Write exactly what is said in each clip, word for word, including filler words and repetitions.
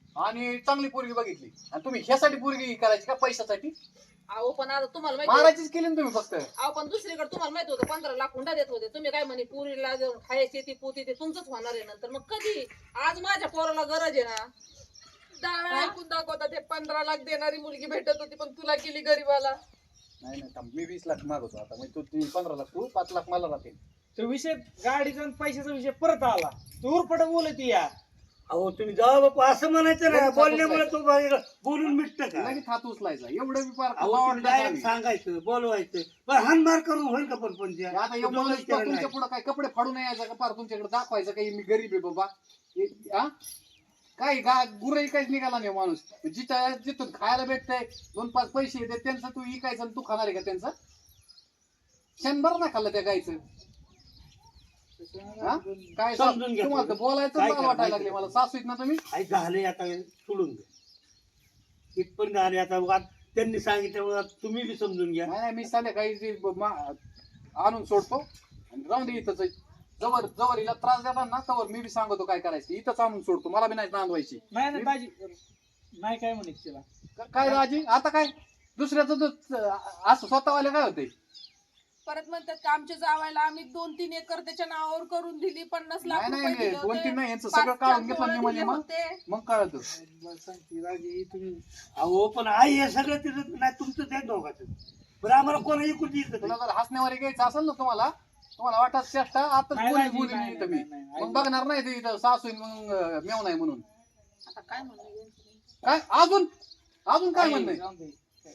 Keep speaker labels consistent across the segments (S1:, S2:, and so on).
S1: आणि चांगली पोरगी बघितली आणि तुम्ही ह्यासाठी पोरगी करायची का पैशासाठी?
S2: अहो पण आता तुम्हाला माहिती
S1: मारायचीच केली ना तुम्ही फक्त.
S2: अहो पण दुसरीकडे तुम्हाला माहित होतं पंधरा लाख हुंडा देत होते तुम्ही काय म्हणे पुरीला देऊन खायची ती पोती ते तुमचंच होणार आहे नंतर मग कधी आज माझ्या पोराला गरज आहे ना
S3: दहा वेळा ऐकून दाखवता ते पंधरा लाख देणारी मुलगी भेटत होती पण तुला केली गरीबाला.
S1: नाही नाही थांब, मी वीस लाख मागवतो आता म्हणजे तू ती पंधरा लाख तू पाच लाख मला राहतील.
S4: तो विषय गाडीचा आणि पैशाचा विषय परत आला. तू उरपट बोलत या.
S5: अहो तुम्ही जावा बापू असं म्हणायचं ना, बोलण्यामुळे तो बाहेर बोलून मिटतं का?
S1: लगेच हात उचलायचा एवढं बी फार
S5: अहो तुम्ही डायरेक्ट सांगायचं बोलवायचं पण हानमार करून होईल का पण पण त्या?
S1: आता एवढं
S5: तुम्हाला विचारायला
S1: तुमच्या
S5: नाही.
S1: पुढे काय कपडे फाडून यायचं का फार तुमच्याकडे दाखवायचं काही मी गरीब आहे बाबा हे- हा काय गा गुरही काहीच निघाला नाही माणूस. जिथं जिथून खायला भेटतंय दोन पाच पैसे येते त्यांचं तू इकायचं आणि तू खाणार आहे का त्यांचं? शंभर ना खाल्लं त्या गायचं. हा? काय सा-
S5: समजून घ्या
S1: तुम्हाला तर
S5: थोडं.
S1: बोलायचं
S5: काय
S1: मला
S5: करा,
S1: वाटायला
S5: माहिती
S1: लागले
S5: आहे
S1: मला सासू आहेत ना तुम्ही.
S5: आई झाले आता सोडून दे इथपर्यंत आले आता उगाच त्यांनी सांगितलं उगाच तुम्ही बी समजून घ्या.
S1: नाही नाही मी संध्याकाळी ते ब- मा- आणून सोडतो आणि राहून दे इथंच. जवळ जवळ हिला त्रास देतात ना तवर मी बी सांगतो काय करायचं इथंच आणून सोडतो. मला बी नाही नांदवायची.
S4: नाही नाही दाजी नाही काय म्हणे तिला.
S1: क- काय राजी आता काय दुसऱ्याचं तर असं स्वतःवाले काय होते.
S3: परत म्हणतात का आमच्या जावायला आम्ही दोन तीन एकर त्याच्या नावावर करून दिली पन्नास लाख
S1: नाही
S3: रुपये
S1: नाही
S3: दिले
S1: दोन
S3: होते.
S1: तीन नाही यांचं
S3: पाच
S1: सगळं काढून
S3: लाख
S1: घेतलं
S3: पोरं
S1: मी म्हणजे
S3: दिले
S1: मग
S3: होते.
S1: मग कळत.
S4: मला सांगते दाजी तुम्ही
S5: अहो पण आई हे सगळं तिथं नाही तुमचं त्या दोघाचं बरं आम्हाला कोणाही कुठे
S1: तुला जर हसण्यावारी घ्यायचं असेल ना तुम्हाला तुम्हाला वाटत चेष्टा आता
S4: नाही,
S1: बोली
S4: नाही,
S1: बोली
S4: नाही,
S1: इथं मी
S4: नाही, नाही, नाही.
S1: मग बघणार नाही ते इथं सासू आहे मग अं, मेव नाही म्हणून.
S2: आता काय म्हणणं यांचं?
S1: काय अजून अजून काय म्हणणं
S4: जाऊन दे.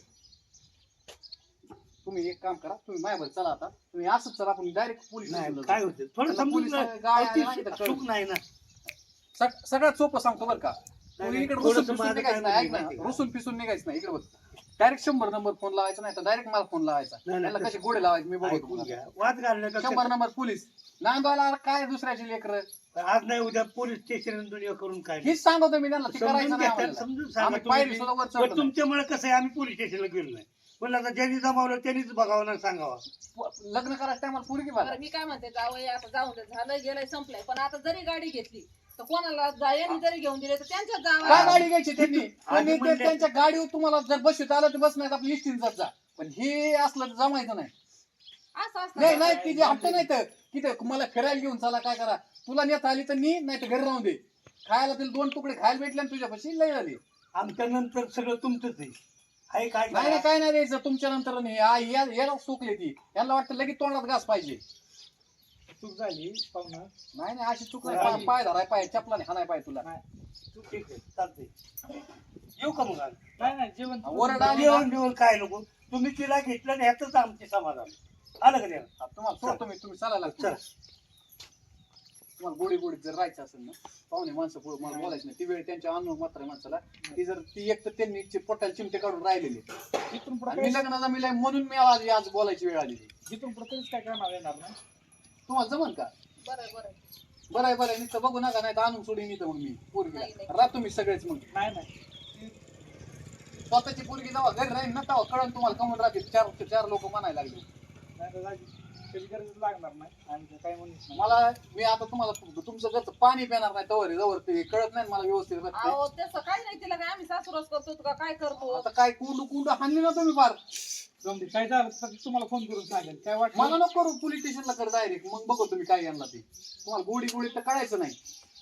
S1: तुम्ही एक काम करा तुम्ही माझ्यावर चला आता तुम्ही असंच चला आपण डायरेक्ट पोलीस
S5: नाही काय होतं थोडं
S1: त्याला
S5: समजून
S1: पोलीस
S5: जा.
S1: गाड्या
S5: अहो, ती
S1: आल्या नाही तर
S5: चूक नाही ना.
S1: सग- सगळ्यात सोपं सांगतो बरं का.
S5: नाही,
S1: तुम्ही
S5: नाही,
S1: इकडे
S5: थोडंसं
S1: रुसून पिसून
S5: माझं
S1: निघायचं
S5: काय
S1: नाही ऐक
S5: म्हणणं
S1: ना
S5: आहे माहिती
S1: रुसून पिसून निघायचं नाही इकडे बघ. डायरेक्ट शंभर नंबर फोन लावायचा नाही तर डायरेक्ट मला फोन लावायचा.
S5: नाही, नाही,
S1: त्याला कसे गोडे लावायचे मी
S5: का?
S1: बघतो
S5: ऐकून
S1: तुम्हाला.
S5: घ्या वाद घालण्यापेक्षा
S1: शंभर नंबर पोलीस नांदवायला काय दुसऱ्याची लेकर
S5: आज नाही उद्या पोलीस स्टेशन दुनिया करून काय
S1: हेच सांगतो मी त्यांना ते करायचं
S5: समजून
S1: नाही
S5: घ्या
S1: आम्हाला.
S5: समजून सांगा
S1: आम्ही
S5: तुम्ही
S1: पायरी
S5: बी.
S1: सुद्धा वर
S5: पण
S1: चढलो नाही.
S5: तुमच्यामुळे कसं आहे आम्ही पोलीस स्टेशनला गेलो नाही पण आता ज्यांनी जमावलं त्यांनीच बघावं ना सांगावं.
S1: लग्न करायचं टायमाला पोरगी बघा.
S2: बरं मी काय म्हणते जावई आता जाऊन दे झालं गेलंय संपलंय पण आता जरी गाडी घेतली तर कोणाला जायांनी जरी घेऊन दिले तर त्यांच्या
S1: काय
S2: जावा
S1: गाडी घ्यायची त्यांनी त्यांनी ते
S5: म्हणले-
S1: त्यांच्या गाडीवर तुम्हाला जर बसवीत आलं तर बस नाही आपली इष्टीन जात जा. पण हे असलं तर जमायचं नाही.
S2: असं असतं
S1: नाही नाही तिचे हप्ते नाही तर तिथे मला फिरायला घेऊन चला काय करा तुला नेता आली तर नी नाही तर घरी राहून दे. खायला तिला दोन तुकडे खायला भेटले आणि तुझ्यापाशी लय झाली.
S5: आमच्या नंतर सगळं तुमचंच आहे आहे काय
S1: नाही नाही
S5: करा?
S1: काय नाही द्यायचं तुमच्या नंतर नाही आ, या- याला चुकली ती यांना वाटतं लगेच तोंडात घास पाहिजे.
S4: चूक झाली पाहुणा.
S1: नाही नाही अशी चूक नाही पाय- पाय धराय पाय चपलाने हाणाय पाय तुला.
S5: ठीक आहे चालतंय येऊ का मग आज?
S4: नाही नाही जेवण
S1: ओरड आली ना,
S5: जेवण बिवण काय नको तुम्ही तिला घेतलं आणि ह्याच आमचे समाधान आलं का द्या
S1: तुम्हाला सोडतो मी तुम्ही चालायला लागतो.
S5: चल
S1: तुम्हाला गोडी गोडीत जर राहायचं असेल ना पाहुणे माणसं पुढे मला बोलायचं नाही ती वेळ त्यांच्या अनुभव मात्र माणसाला ती जर ती एक तर त्यांनी ची पोटाला चिमटे काढून राहिलेली
S4: इथून
S1: आणि
S4: पुढे
S1: मी लग्नाचा मिलाय म्हणून मी आज आज बोलायची वेळ आलेली.
S4: इथून पुढे कधीच काय करणार येणार नाही.
S1: तुम्हाला जमन का?
S2: बरं बरं
S1: बरं आहे बरं आहे नुसतं बघू नका नाही तर आणून सोडून येतं मग मी पोरगी
S2: नाही, नाही.
S1: राहतो मी सगळेच मग
S4: नाही नाही
S1: स्वतःची पोरगी जेव्हा घरी राहील ना तेव्हा कळण तुम्हाला कमून राहतील. चार चार लोक म्हणायला लागले.
S4: नाही तर दाजी कधी गरज लागणार नाही आणि काय म्हणून नाही.
S1: मला मी आता तुम्हाला तुमचं घरचं पाणी पिणार नाही तवर जवळ ते कळत नाही मला व्यवस्थित रस्ते.
S2: अहो तसं काय नाही तिला काय आम्ही सासूरच करतो का काय करतो
S1: आता काय कुंडू कुंडू हाणली ना तुम्ही फार.
S4: जाऊन दे. काय झालं तर तुम्हाला फोन करून सांगेल काय
S1: मला
S4: वाटलं.
S1: नको करू पोलीस स्टेशनला कर डायरेक्ट मग बघू तुम्ही काय यांना ते तुम्हाला गोडी गोडी तर कळायचं नाही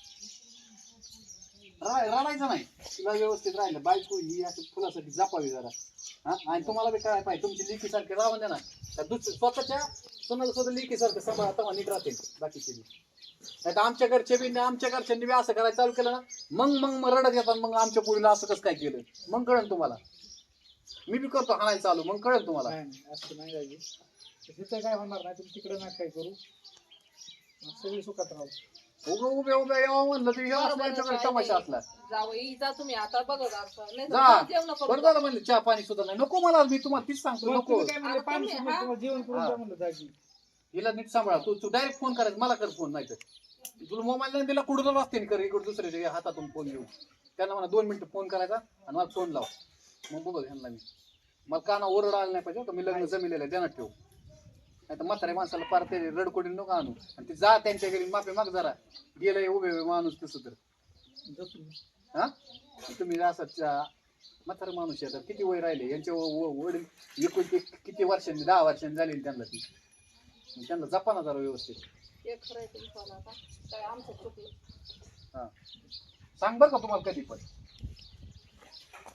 S1: रा- रडायचं नाही तिला व्यवस्थित राहिलं बायको ही असं फुलासाठी जपावी जरा हा आणि तुम्हाला बी काय पाहिजे तुमची लेकी सारखे राहून द्या ना त्या दुसऱ्या स्वतःच्या सोनाला स्वतः लेकी सारखं सांभाळा तेव्हा नीट राहते बाकीचे बी नाही तर आमच्या घरचे बी आमच्या घरच्यांनी बी असं करायला चालू केलं ना मग मग मग रडत येतात मग आमच्या पोरीला असं कसं काय केलं मग कळेल तुम्हाला. मी बी करतो हाणायला चालू मग कळेल तुम्हाला.
S4: नाही नाही असं नाही दाजी तिथं काय होणार नाही तुम्ही तिकडे ना काय करू सगळी सुखात राहू.
S1: उभे उभे उभे यावं म्हणलं तर हे असं त्यांच्याकडे तमाशा असला
S2: जावई जा तुम्ही आता बघत असं नाही तर
S1: जा
S2: जेवण करू
S1: बरं झालं म्हणलं चहा पाणी सुद्धा नाही नको मला मी तुम्हाला तीच सांगतो
S4: मग
S1: नको.
S4: तुम्ही काय म्हणले
S2: आता
S4: पाणी
S2: तुम्ही,
S4: सोडून
S2: हा?
S4: तुम्हाला जेवण करून
S1: हा.
S4: द्या म्हणलं दाजी.
S1: हिला नीट सांभाळा तू तू डायरेक्ट फोन करायचा मला कर फोन नाही तर तुला मोबाईल नाही दिला कुठं वाचते कर इकडे दुसऱ्याच्या हातातून फोन घेऊ त्यांना मला दोन मिनिटं फोन करायचा आणि मला फोन लाव मग बघ ह्यांना मी मला काना ओरड आला नाही पाहिजे का मी लग्न जमिलेलं आहे देण्यात ठेवू नाही तर म्हाताऱ्या माणसाला पार ते रडकोडी नको आणू आणि ते जा त्यांच्या घरी माफी माग जरा गेलंय उभे उभे माणूस तसं तर
S4: जातो मी.
S1: हा तुम्ही असं म्हातारा माणूस आहे, आता किती वय राहिले यांचे व- व- वडील एकूण ते किती वर्षांनी दहा वर्षांनी झाले त्यांना ती मग त्यांना जपा ना जरा व्यवस्थित.
S2: एक खरंय तुमचं आता काय आमचं चुकलं.
S1: हा सांग बरं का तुम्हाला कधी पण